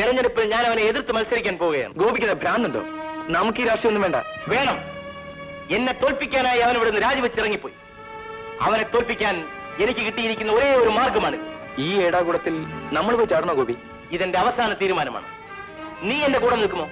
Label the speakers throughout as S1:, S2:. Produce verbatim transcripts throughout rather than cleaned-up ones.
S1: തെരഞ്ഞെടുപ്പിൽ ഞാൻ അവനെ എതിർത്ത് മത്സരിക്കാൻ പോവുകയാണ്.
S2: ഗോപിക്ക് ഭ്രാന്തുണ്ടോ? നമുക്ക് ഈ രാഷ്ട്രീയമൊന്നും വേണ്ട.
S1: വേണം. എന്നെ തോൽപ്പിക്കാനായി അവൻ ഇവിടുന്ന് രാജിവെച്ചിറങ്ങിപ്പോയി. അവനെ തോൽപ്പിക്കാൻ എനിക്ക് കിട്ടിയിരിക്കുന്ന ഒരേ ഒരു മാർഗമാണ്.
S2: ഈ ഏടാകൂടത്തിൽ നമ്മൾ പോയി ചാടണോ ഗോപി?
S1: ഇതെന്റെ അവസാന തീരുമാനമാണ്. നീ എന്റെ കൂടെ നിൽക്കുമോ?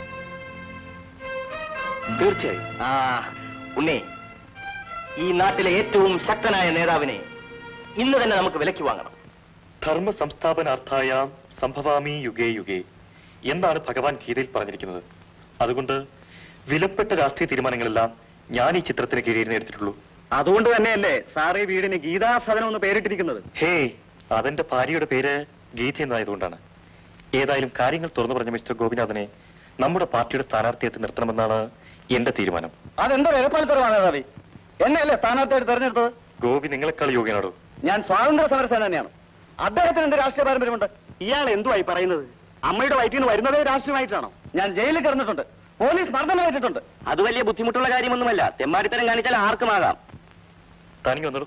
S2: തീർച്ചയായും.
S1: ആ ഉണ്ണി, ഈ നാട്ടിലെ ഏറ്റവും ശക്തനായ നേതാവിനെ ഇന്ന് തന്നെ നമുക്ക് വിലയ്ക്ക് വാങ്ങണം.
S3: ധർമ്മ സംസ്ഥാപനാർത്ഥായാം സംഭവാമി യുഗേ യുഗേ എന്നാണ് ഭഗവാൻ ഗീതയിൽ പറഞ്ഞിരിക്കുന്നത്. അതുകൊണ്ട് വിലപ്പെട്ട രാഷ്ട്രീയ തീരുമാനങ്ങളെല്ലാം ഞാൻ ഈ ചിത്രത്തിന് കീഴിൽ എടുത്തിട്ടുള്ളൂ.
S2: അതുകൊണ്ട് തന്നെയല്ലേ സാറ് ഈ വീടിന് ഗീതാസദനം എന്ന് പേരിട്ടിരിക്കുന്നത്?
S3: ഹേ, അതെന്റെ ഭാര്യയുടെ പേര് ഗീത എന്നായതുകൊണ്ടാണ്. ഏതായാലും കാര്യങ്ങൾ തുറന്നു പറഞ്ഞ മിസ്റ്റർ ഗോപിനാഥനെ നമ്മുടെ പാർട്ടിയുടെ സ്ഥാനാർത്ഥിയെത്തി നിർത്തണമെന്നാണ് എന്റെ തീരുമാനം.
S2: അതെന്തോ എരപ്പാലത്തരമാണ് റവി. എന്നെയല്ലേ സ്ഥാനാർത്ഥിയായിട്ട് തെരഞ്ഞെടുത്തത്?
S3: ഗോപി നിങ്ങളെക്കാൾ യോഗ്യനാടോ?
S2: ഞാൻ സ്വാതന്ത്ര്യ സമരസേന തന്നെയാണ്. അദ്ദേഹത്തിന് എന്ത് രാഷ്ട്രീയ പാരമ്പര്യമുണ്ട്? ഇയാൾ എന്തുവായി പറയുന്നത്? അമ്മയുടെ വയറ്റിൽ നിന്ന് വരുന്നതേ രാഷ്ട്രീയമായിട്ടാണോ? ഞാൻ ജയിലിൽ കിടന്നിട്ടുണ്ട്, പോലീസ് മർദ്ദനം ഏറ്റിട്ടുണ്ട്. അത് വലിയ ബുദ്ധിമുട്ടുള്ള കാര്യമൊന്നുമല്ല. തെമ്മാടിത്തരം കാണിച്ചാൽ ആർക്കുമാകാം.
S3: താനിങ്ങ് വന്നോളൂ.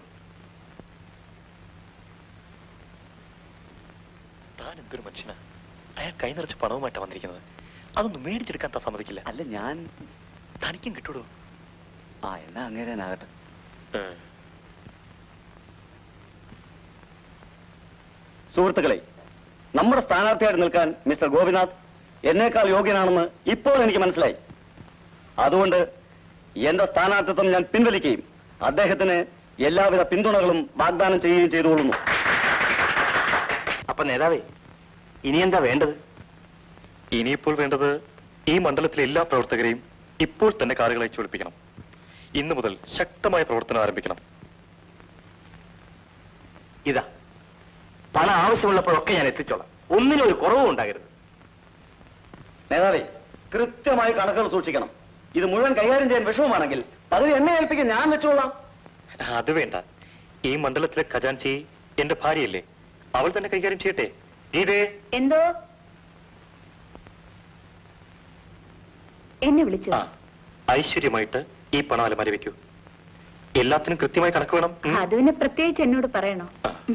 S3: താൻ എന്തൊരു മനുഷ്യനാ! അയാൾ കൈ നിറച്ച് പണവുമായിട്ടാണ് വന്നിരിക്കുന്നത്. അതൊന്നും മേടിച്ചെടുക്കാൻ താൻ സമ്മതിക്കില്ല.
S2: അല്ല, ഞാൻ
S3: തനിക്കും കിട്ടൂടോ.
S2: ആ എന്നാ അങ്ങേരാനാകട്ടെ. സുഹൃത്തുക്കളെ, നമ്മുടെ സ്ഥാനാർത്ഥിയായിട്ട് നിൽക്കാൻ മിസ്റ്റർ ഗോപിനാഥ് എന്നേക്കാൾ യോഗ്യനാണെന്ന് ഇപ്പോൾ എനിക്ക് മനസ്സിലായി. അതുകൊണ്ട് എന്റെ സ്ഥാനാർത്ഥിത്വം ഞാൻ പിൻവലിക്കുകയും അദ്ദേഹത്തിന് എല്ലാവിധ പിന്തുണകളും വാഗ്ദാനം ചെയ്യുകയും ചെയ്തുകൊള്ളുന്നു.
S1: അപ്പൊ നേതാവേ, ഇനി എന്താ വേണ്ടത്?
S3: ഇനിയിപ്പോൾ വേണ്ടത് ഈ മണ്ഡലത്തിലെ എല്ലാ പ്രവർത്തകരെയും ഇപ്പോൾ തന്നെ കാറുകൾ അയച്ചു വിളിപ്പിക്കണം. ഇന്നു മുതൽ ശക്തമായ പ്രവർത്തനം ആരംഭിക്കണം.
S1: ഇതാ പണം ആവശ്യമുള്ളപ്പോഴൊക്കെ ഞാൻ എത്തിച്ചോളാം. ഒന്നിനും ഒരു കുറവും ഉണ്ടാകരുത്.
S2: നേതാവേ, കൃത്യമായി കണക്കുകൾ സൂക്ഷിക്കണം. ഇത് മുഴുവൻ കൈകാര്യം ചെയ്യാൻ വിഷമമാണെങ്കിൽ പകുതി എന്നെ ഏൽപ്പിക്കാൻ ഞാൻ വെച്ചോളാം.
S3: അത് വേണ്ട. ഈ മണ്ഡലത്തിലെ ഖജാൻചി എന്റെ ഭാര്യയല്ലേ, അവൾ തന്നെ കൈകാര്യം ചെയ്യട്ടെ. ഇതേ
S4: എന്തോ എന്നെ വിളിച്ചു.
S3: ആ, ഐശ്വര്യമായിട്ട് ഈ പണം അലമാരി വെക്കൂ. എല്ലാത്തിനും കൃത്യമായി കണക്ക് വേണം.
S4: അത് പിന്നെ പ്രത്യേകിച്ച് എന്നോട് പറയണോ?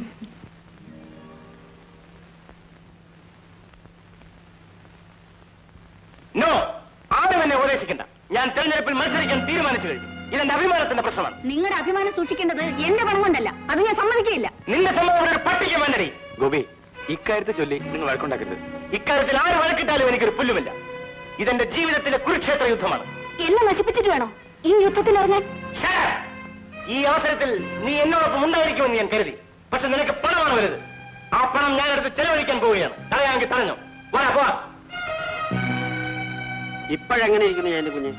S1: നോ, ആരും എന്നെ ഉപദേശിക്കണ്ട. ഞാൻ തെരഞ്ഞെടുപ്പിൽ മത്സരിക്കാൻ തീരുമാനിച്ചു കഴിഞ്ഞു. ഇതെന്റെ അഭിമാനത്തിന്റെ പ്രശ്നമാണ്.
S4: നിങ്ങളുടെ അഭിമാനം സൂക്ഷിക്കേണ്ടത് എന്റെ പണം കൊണ്ടല്ല. അത് ഞാൻ സമ്മതിക്കുകയില്ല.
S1: നിന്റെ സമ്മതം ഒരു പട്ടിക വേണ്ടടി.
S2: ഗോപി, ഇക്കാര്യത്തെ ചൊല്ലി നിങ്ങൾ വഴക്കുണ്ടാക്കരുത്.
S1: ഇക്കാര്യത്തിൽ ആര് വഴക്കിട്ടാലും എനിക്കൊരു പുല്ലുമില്ല. ഇതെന്റെ ജീവിതത്തിലെ കുരുക്ഷേത്ര യുദ്ധമാണ്.
S4: എന്നെ നശിപ്പിച്ചിട്ട് വേണോ ഈ യുദ്ധത്തിൽ ഇറങ്ങാൻ?
S1: ഈ അവസരത്തിൽ നീ എന്നോടൊപ്പം ഉണ്ടായിരിക്കുമെന്ന് ഞാൻ കരുതി. പക്ഷെ നിനക്ക് പണമാണ് വരുത്. ആ പണം ഞാനെടുത്ത് ചെലവഴിക്കാൻ പോവുകയാണ്. തടയാമെങ്കിൽ തടഞ്ഞോ. പോരാ പോവാ.
S2: ഇപ്പോഴെങ്ങനെ ഇരിക്കുന്നു എന്റെ കുഞ്ഞ്?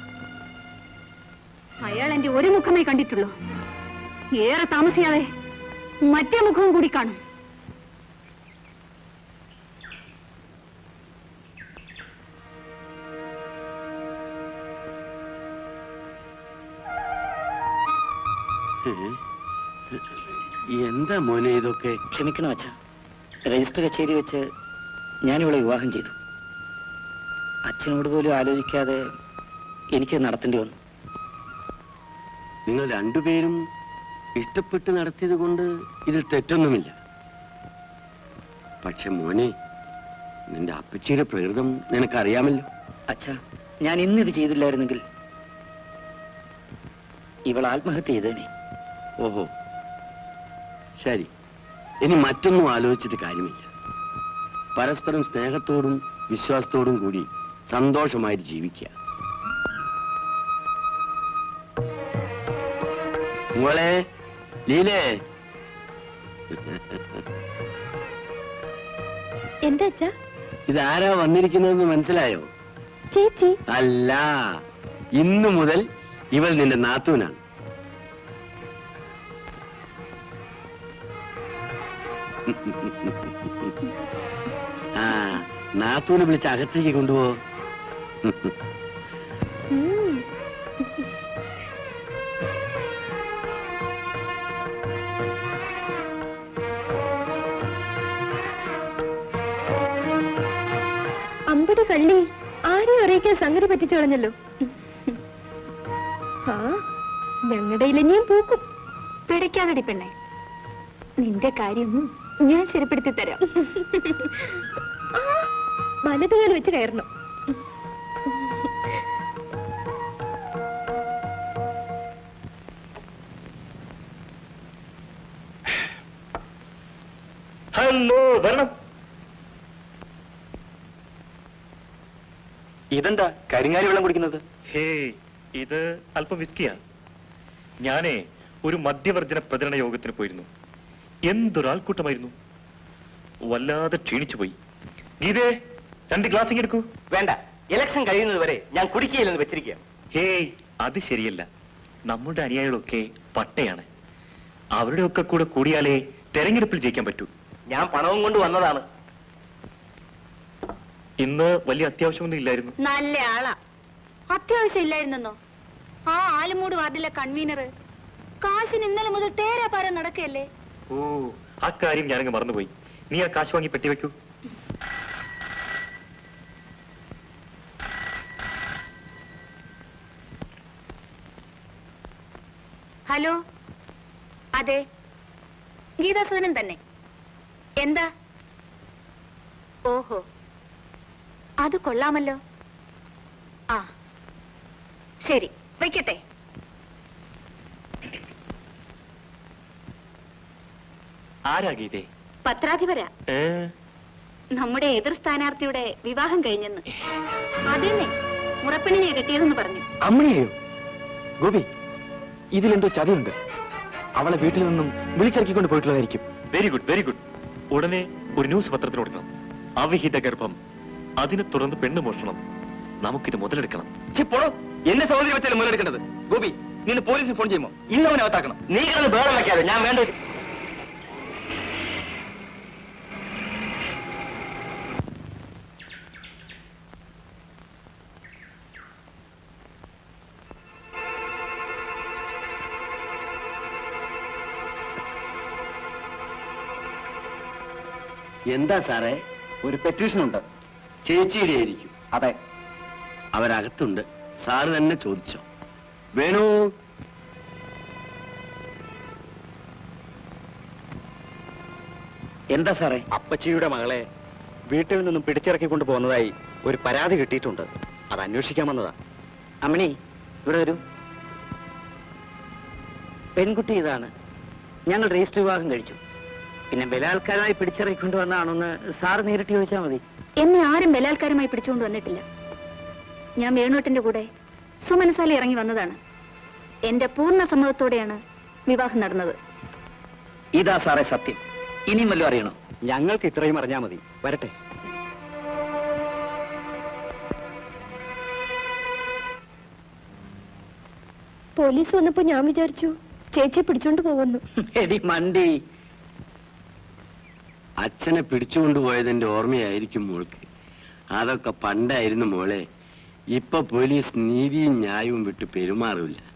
S4: അയാൾ എന്റെ ഒരു മുഖമേ കണ്ടിട്ടുള്ളൂ. ഏറെ താമസിയാതെ മറ്റേ മുഖവും കൂടി കാണും.
S2: എന്താ മോനെ ഇതൊക്കെ?
S5: ക്ഷമിക്കണം അച്ഛാ, രജിസ്റ്റർ കച്ചേരി വെച്ച് ഞാനിവളെ വിവാഹം ചെയ്തു. അച്ഛനോട് പോലും ആലോചിക്കാതെ എനിക്ക് നടത്തേണ്ടി വന്നു.
S2: നിങ്ങൾ രണ്ടുപേരും ഇഷ്ടപ്പെട്ട് നടത്തിയത് കൊണ്ട് ഇതിൽ തെറ്റൊന്നുമില്ല. പക്ഷെ മോനെ, നിന്റെ അപ്പച്ചിയുടെ പ്രകൃതം നിനക്കറിയാമല്ലോ.
S5: അച്ഛാ, ഞാൻ ഇന്നിത് ചെയ്തില്ലായിരുന്നെങ്കിൽ ഇവൾ ആത്മഹത്യ ചെയ്തേനെ.
S2: ഓഹോ, ശരി. ഇനി മറ്റൊന്നും ആലോചിച്ചിട്ട് കാര്യമില്ല. പരസ്പരം സ്നേഹത്തോടും വിശ്വാസത്തോടും കൂടി സന്തോഷമായിട്ട് ജീവിക്കുക. മോളെ ലീലേ,
S4: എന്താ അച്ഛാ?
S2: ഇതാരാ വന്നിരിക്കുന്നതെന്ന് മനസ്സിലായോ?
S4: ചേച്ചി
S2: അല്ല, ഇന്നു മുതൽ ഇവൾ നിന്റെ നാത്തൂനാണ്. ആ, നാത്തൂനെ വിളിച്ച് അകത്തേക്ക് കൊണ്ടുപോ.
S4: അമ്പടി കള്ളി, ആരെയും അറിയിക്കാൻ സംഗതി പറ്റിച്ചു കളഞ്ഞല്ലോ. ആ, ഞങ്ങളുടെ ഇലഞ്ഞിയും പൂക്കും. പിടയ്ക്കാതടി പെണ്ണെ, നിന്റെ കാര്യം ഞാൻ ശരിപ്പെടുത്തി തരാം. വലതുകാൽ വെച്ച് കയറണം.
S3: ഹലോ, വരണം.
S2: ഇതെന്താ കരിങ്ങാലി വെള്ളം കുടിക്കുന്നത്?
S3: ഹേ, ഇത് അല്പം വിസ്കിയാണ്. ഞാനേ ഒരു മദ്യവർജന പ്രചരണ യോഗത്തിന് പോയിരുന്നു. എന്തൊരാൾക്കൂട്ടമായിരുന്നു. വല്ലാതെ ക്ഷീണിച്ചു പോയി. ഗീതേ, രണ്ട് ഗ്ലാസ് എടുക്കൂ.
S1: വേണ്ട, ഇലക്ഷൻ കഴിയുന്നത് വരെ ഞാൻ കുടിക്കുകയില്ലെന്ന് വെച്ചിരിക്കുക.
S3: ഹേയ്, അത് ശരിയല്ല. നമ്മുടെ അനുയായികളൊക്കെ പട്ടയാണ്. അവരുടെ ഒക്കെ കൂടെ കൂടിയാലേ തെരഞ്ഞെടുപ്പിൽ ജയിക്കാൻ പറ്റൂ.
S1: ഞാൻ പണവും കൊണ്ട് വന്നതാണ്.
S3: ഇന്ന് വലിയ അത്യാവശ്യമൊന്നും ഇല്ലായിരുന്നു.
S4: നല്ല ആളാ. അത്യാവശ്യം ഇല്ലായിരുന്നോ? ആ ആലുമൂട് വാർഡിലെ കൺവീനർ കാശിന് ഇന്നലെ മുതൽ തേരാപാരം നടക്കല്ലേ.
S3: ഓ, ആ കാര്യം ഞാനങ്ങ് മറന്നുപോയി. നീ ആ കാശ് വാങ്ങി പെട്ടി വെക്കൂ.
S4: ഹലോ, അതെ, ഗീതാസുധനൻ തന്നെ. എന്താ? ഓഹോ, അത് കൊള്ളാമല്ലോ. ആ ശരി, വയ്ക്കട്ടെ.
S3: ആരാ ഗീതേ?
S4: പത്രാധിപരാ.
S3: ഏ?
S4: നമ്മുടെ എതിർ സ്ഥാനാർത്ഥിയുടെ വിവാഹം കഴിഞ്ഞെന്ന്. അതെന്നെ, മുറപ്പെണ്ണിനെ കിട്ടിയതെന്ന് പറഞ്ഞു.
S2: അമ്മയെയോ? ഗോപി, ഇതിലെന്തോ ചതിയുണ്ട്. അവളെ വീട്ടിൽ നിന്നും വിളിച്ചിറക്കിക്കൊണ്ട് പോയിട്ടുള്ളതായിരിക്കും.
S3: Very good, very good. ഉടനെ ഒരു ന്യൂസ് പത്രത്തിന് കൊടുക്കണം. അവിഹിത ഗർഭം, അതിനെ തുടർന്ന് പെണ്ണ് മോഷണം. നമുക്കിത് മുതലെടുക്കണം.
S2: പോടോ, എന്നെ സഹോദരി വെച്ചാലും മുതലെടുക്കേണ്ടത്. ഗോപി, നീ പോലീസിന് ഫോൺ ചെയ്യുമോ? ഇന്ന് അവനെ അകത്താക്കണം.
S1: നീ കിടന്ന് ബേളം വയ്ക്കാതെ, ഞാൻ വേണ്ട.
S2: എന്താ സാറേ? ഒരു പെറ്റീഷൻ ഉണ്ട്. ചേച്ചിയുടെ ആയിരിക്കും. അതെ,
S6: അവരകത്തുണ്ട്. സാറ് തന്നെ ചോദിച്ചോ. വേണു,
S2: എന്താ സാറേ? അപ്പച്ചിയുടെ മകളെ വീട്ടിൽ നിന്നും പിടിച്ചിറക്കിക്കൊണ്ട് പോകുന്നതായി ഒരു പരാതി കിട്ടിയിട്ടുണ്ട്. അത് അന്വേഷിക്കാൻ വന്നതാ. അമ്മണി, ഇവിടെ വരൂ. പെൺകുട്ടി ഇതാണ്. ഞങ്ങൾ രജിസ്റ്റർ വിവാഹം കഴിച്ചു. പിന്നെ ബലാത്കാരമായി പിടിച്ചിറക്കിക്കൊണ്ട് വന്നതാണെന്ന് സാറ് നേരിട്ട് ചോദിച്ചാൽ മതി.
S4: എന്നെ ആരും ബലാത്കാരമായി പിടിച്ചുകൊണ്ട് വന്നിട്ടില്ല. ഞാൻ വേണുവേട്ടന്റെ കൂടെ സുമനസാലി ഇറങ്ങി വന്നതാണ്. എന്റെ പൂർണ്ണ സമ്മതത്തോടെയാണ് വിവാഹം നടന്നത്.
S5: ഇതാ സാറേ സത്യം. ഇനിയും വല്ലതും അറിയണോ?
S2: ഞങ്ങൾക്ക് ഇത്രയും അറിഞ്ഞാൽ മതി. വരട്ടെ.
S4: പോലീസ് വന്നപ്പോ ഞാൻ വിചാരിച്ചു ചേച്ചിയെ പിടിച്ചോണ്ട് പോകുന്നു.
S5: എടി മണ്ടി,
S6: അച്ഛനെ പിടിച്ചുകൊണ്ടുപോയതിന്റെ ഓർമ്മയായിരിക്കും മോൾക്ക്. അതൊക്കെ പണ്ടായിരുന്നു മോളെ. ഇപ്പൊ പോലീസ് നീതിയും ന്യായവും വിട്ട് പെരുമാറില്ല.